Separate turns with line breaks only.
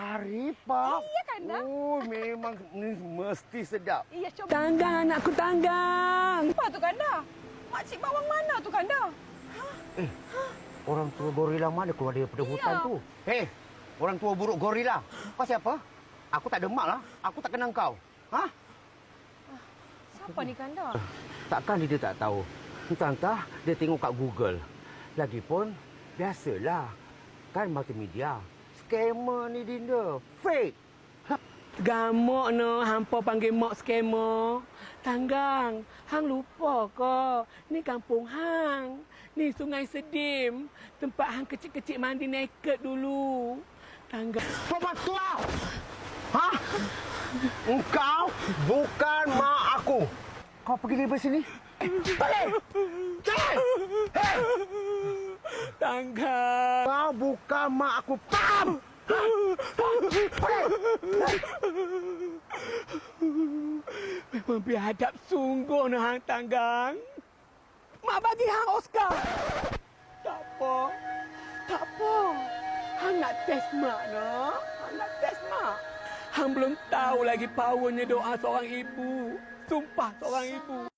Kari, Pak.
Iya kan, dah?
Oh, memang ni mesti sedap.
Iya, coba.
Tanggang, anakku tanggang.
Apa tu, Kanda? Makcik bawang mana tu, Kanda?
Orang tua gorila mana keluar daripada hutan
Iya.
tu? Hei, orang tua buruk gorila. Pasal apa? Aku tak demak lah. Aku tak kenal kau. Ha?
Siapa ni, Kanda?
Takkan dia tak tahu. Entah-entah dia tengok kat Google. Lagipun, biasalah. Kan multimedia. Scammer ni Dinda. Fake.
Gamok no, hampa panggil mak scammer. Tanggang, hang lupa ke? Ni kampung hang. Ni Sungai Sedim. Tempat hang kecil-kecil mandi naked dulu. Tanggang.
Sobat tua! Ha? Engkau bukan mak aku. Kau pergi dari sini. Balik! Jangan! Hei!
Tanggang.
Kau bukan mak aku. Faham? Ha? Balik!
Memang biadab sungguh no hang tanggang. Mak bagi hang Oscar. Tak apa. Tak apa. Hang nak test mak no. Hang nak test mak. Hang belum tahu lagi powernya doa seorang ibu. Sumpah seorang ibu.